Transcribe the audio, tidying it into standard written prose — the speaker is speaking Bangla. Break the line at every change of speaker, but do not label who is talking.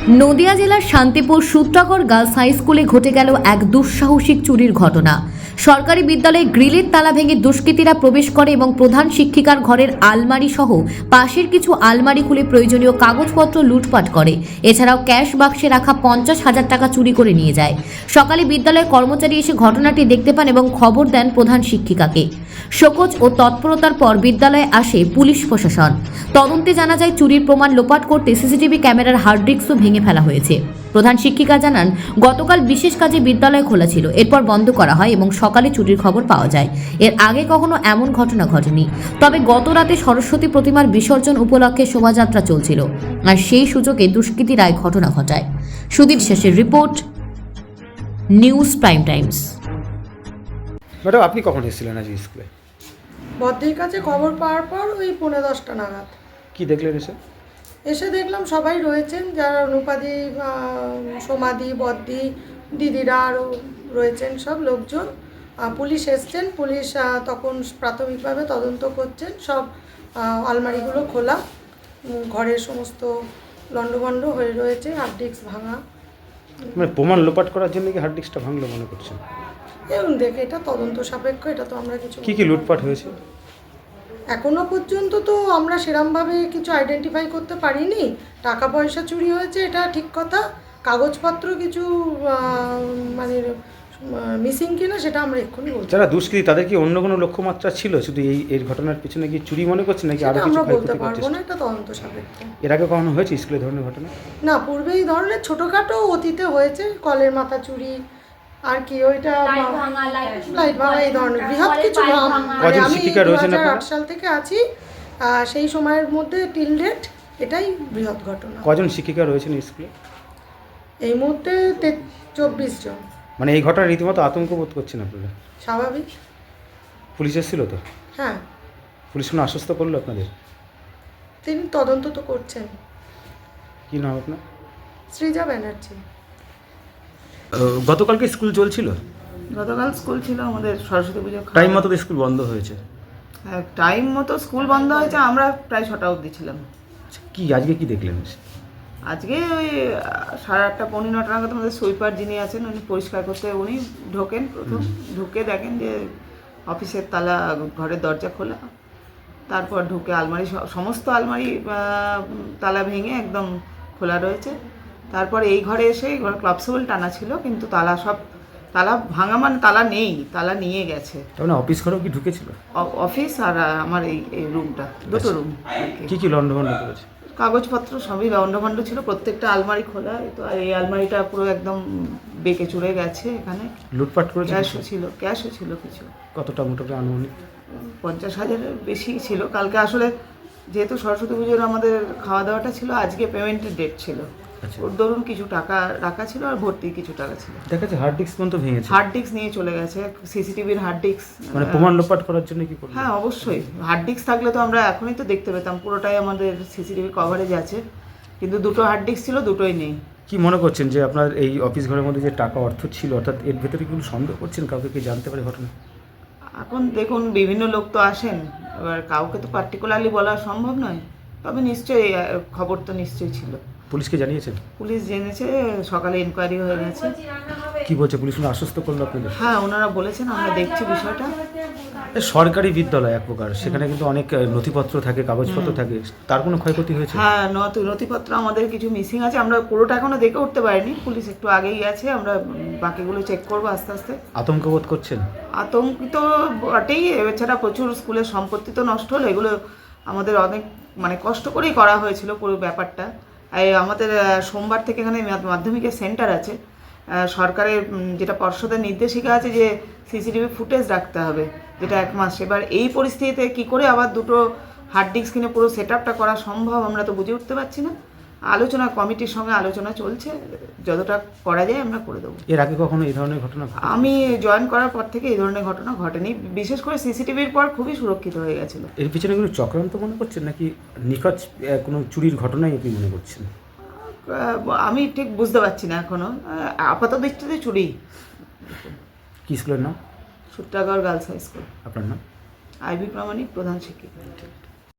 নদিয়া জেলার শান্তিপুর সূত্রাগড় গার্লস হাই স্কুলে ঘটে গেল এক দুঃসাহসিক চুরির ঘটনা। সরকারি বিদ্যালয়ে গ্রিলের তালা ভেঙে দুষ্কৃতীরা প্রবেশ করে এবং প্রধান শিক্ষিকার ঘরের আলমারি সহ পাশের কিছু আলমারি খুলে প্রয়োজনীয় কাগজপত্র লুটপাট করে। এছাড়াও ক্যাশ বাক্সে রাখা 50,000 টাকা চুরি করে নিয়ে যায়। সকালে বিদ্যালয়ের কর্মচারী এসে ঘটনাটি দেখতে পান এবং খবর দেন প্রধান শিক্ষিকাকে। শোকজ ও তৎপরতার পর বিদ্যালয়ে আসে পুলিশ প্রশাসন। তদন্তে জানা যায় চুরির প্রমাণ লোপাট করতে সিসিটিভি ক্যামেরার হার্ড ডিস্কও ভেঙে ফেলা হয়েছে। প্রধান শিক্ষিকা জানান, গতকাল বিশেষ কাজে বিদ্যালয় খোলা ছিল, এরপর বন্ধ করা হয় এবং সকালে চুরির খবর পাওয়া যায়। এর আগে কখনো এমন ঘটনা ঘটেনি। তবে গত রাতে সরস্বতী প্রতিমার বিসর্জন উপলক্ষে শোভাযাত্রা চলছিল, আর সেই সুযোগে দুষ্কৃতীরা ঘটনা ঘটায়। সুদীপ শেষের report, news prime times.
Madam, আপনি কখন এসেছিলেন আজ স্কুলে?
বদ্ধির কাছে খবর পাওয়ার পর ওই 10:45 নাগাদ
কি দেখলেন
এসে দেখলাম সবাই রয়েছেন, যারা অনুপাদি, সমাধি, বদ্দি, দিদিরা আরও রয়েছেন, সব লোকজন। পুলিশ এসছেন। পুলিশ তখন প্রাথমিকভাবে তদন্ত করছেন। সব আলমারিগুলো খোলা, ঘরের সমস্ত লণ্ডভণ্ড হয়ে রয়েছে, হার্ড ডিস্ক ভাঙা।
মানে প্রমাণ লোপাট করার জন্য কি হার্ড ডিস্কটা ভাঙলো মনে করছেন?
এবং দেখে এটা তদন্ত সাপেক্ষ, এটা তো আমরা কিছু
কি লুটপাট হয়েছে
এখনো পর্যন্ত তো আমরা সেরমভাবে কিছু আইডেন্টিফাই করতে পারিনি। টাকা পয়সা চুরি হয়েছে, এটা ঠিক কথা। কাগজপত্র কিছু মানে মিসিং কিনা সেটা আমরা এক্ষুনি বলছি।
যারা দুষ্কৃতী তাদের কি অন্য কোনো লক্ষ্যমাত্রা ছিল? শুধু এই ঘটনার পিছনে কি চুরি মনে করছেন নাকি আরো কিছু?
আমরা বলতে পারবো না, এটা তদন্ত সাপেক্ষ।
এর আগে কখনো হয়েছে স্কুলে ধরনের ঘটনা?
না, পূর্বে এই ধরনের ছোটোখাটো অতীতে হয়েছে, কলের মাথা চুরি, আর কি ওইটা লাইট ভাঙা, এই ধরনের বৃহৎ কিছু।
কজন শিক্ষিকা রয়েছেন আপনারা?
2008 সাল থেকে আছি, সেই সময়ের মধ্যে টিল ডেট এটাই বৃহৎ ঘটনা।
কজন শিক্ষিকা রয়েছেন স্কুলে
এই মুহূর্তে 24 জন।
মানে এই ঘটনা রীতিমতো আতঙ্ক বোধ করছেন আপনারা?
স্বাভাবিক।
পুলিশ এসেছিল তো?
হ্যাঁ।
পুলিশ কোনো আশ্বস্ত করলো আপনাদের?
তিনি তদন্ত তো করছেন।
কি নাম আপনার?
সৃজা ব্যানার্জি।
গতকালকে স্কুল চলছিল?
গতকাল স্কুল ছিল আমাদের, সরস্বতী পুজো
টাইম মতো স্কুল বন্ধ হয়েছে?
হ্যাঁ, টাইম মতো স্কুল বন্ধ হয়েছে। আমরা প্রায় 6টা অবধি ছিলাম।
কি আজকে কি দেখলেন?
আজকে ওই 8:30 পৌনে 9টা নাগাদ আমাদের সুইপার যিনি আছেন উনি পরিষ্কার করতে উনি ঢোকেন। প্রথম ঢুকে দেখেন যে অফিসের তালা, ঘরের দরজা খোলা। তারপর ঢুকে আলমারি, সমস্ত আলমারি তালা ভেঙে একদম খোলা রয়েছে। তারপর এই ঘরে এসে, এই ঘরে ক্লাবসেবল টানা ছিল, কিন্তু তালা ভাঙা, মানে তালা নেই, তালা নিয়ে গেছে।
তাহলে অফিস ঘরেও কি ঢুকেছিল?
অফিস আর আমার এই রুমটা, দুটো রুম।
কি কি লন্ডভন্ড করেছে?
কাগজপত্র সবই লণ্ডভণ্ড ছিল, প্রত্যেকটা আলমারি খোলা। তো আর এই আলমারিটা পুরো একদম বেঁকে চুড়ে গেছে। এখানে
লুটপাট করেছে?
ক্যাশও ছিল কিছু।
কতটা মোটামুটি আনুমানিক?
50,000-এর বেশি ছিল। কালকে আসলে যেহেতু সরস্বতী পুজোর আমাদের খাওয়া দাওয়াটা ছিল, আজকে পেমেন্টের ডেট ছিল। ওর ধরুন কিছু টাকা রাখা ছিল আর ভর্তি কিছু টাকা ছিল।
দেখা যাচ্ছে হার্ড ডিস্ক পর্যন্ত ভেঙেছে।
হার্ড ডিস্ক নিয়ে চলে গেছে, সিসিটিভির হার্ড ডিস্ক।
মানে প্রমাণ লোপাট করার জন্য কি করবে?
হ্যাঁ, অবশ্যই। হার্ড ডিস্ক থাকলে তো আমরা এখনই তো দেখতে পেতাম, পুরোটাই আমাদের সিসিটিভি কভারেজ আছে। কিন্তু দুটো হার্ড ডিস্ক ছিল, দুটোই নেই।
কি মনে করছেন যে আপনার এই অফিস ঘরের মধ্যে যে টাকা অর্থ ছিল, অর্থাৎ এর ভেতরে কোনো সন্দেহ করছেন? কাউকে কি জানতে পারে ঘটনা?
এখন দেখুন, বিভিন্ন লোক তো আসেন, এবার কাউকে তো পার্টিকুলারলি বলা সম্ভব নয়। তবে নিশ্চয়ই খবর তো নিশ্চয়ই ছিল।
পুলিশকে জানিয়েছেন?
পুলিশ জেনেছে, সকালে ইনকোয়ারি হয়ে গেছে।
কি বলছে পুলিশ? আশ্বস্ত করলো আপনাদের?
হ্যাঁ, ওনারা বলেছেন, আমরা দেখছি বিষয়টা।
সরকারি বিদ্যালয় এক প্রকার, সেখানে কিন্তু অনেক নথিপত্র থাকে, কাগজপত্র থাকে, তার কোনো ক্ষয়ক্ষতি হয়েছে?
হ্যাঁ, নথিপত্র আমাদের কিছু মিসিং আছে। আমরা পুরোটা এখনো দেখে উঠতে পারিনি, পুলিশ একটু আগেই আছে। আমরা বাকিগুলো চেক করবো আস্তে আস্তে।
আতঙ্ক বোধ করছেন?
আতঙ্কিত বটেই। এছাড়া প্রচুর স্কুলের সম্পত্তি তো নষ্ট হলো। এগুলো আমাদের অনেক কষ্ট করেই করা হয়েছিল পুরো ব্যাপারটা। আমাদের সোমবার থেকে এখানে মাধ্যমিকের সেন্টার আছে। সরকারের যেটা পর্ষদের নির্দেশিকা আছে যে সিসিটিভি ফুটেজ রাখতে হবে, যেটা 1 মাস। এবার এই পরিস্থিতিতে কি করে আবার দুটো হার্ড ডিস্ক কিনে পুরো সেট আপটা করা সম্ভব, আমরা তো বুঝে উঠতে পারছি না। আলোচনা, কমিটির সঙ্গে আলোচনা চলছে, যতটা করা যায় আমরা করে দেবো।
এর আগে কখনো এই ধরনের ঘটনা?
আমি জয়েন করার পর থেকে এই ধরনের ঘটনা ঘটেনি। বিশেষ করে সিসিটিভির পর খুবই সুরক্ষিত হয়ে গেছিলো।
এর পিছনে কোনো চক্রান্ত মনে করছেন নাকি নিখোঁজ কোনো চুরির ঘটনাই আপনি মনে করছেন?
আমি ঠিক বুঝতে পারছি না এখনো। আপাতত দৃষ্টিতে চুরি।
কি স্কুলের নাম?
Sutragarh girls high school.
আপনার নাম?
আইভি প্রামাণিক, প্রধান শিক্ষিকা।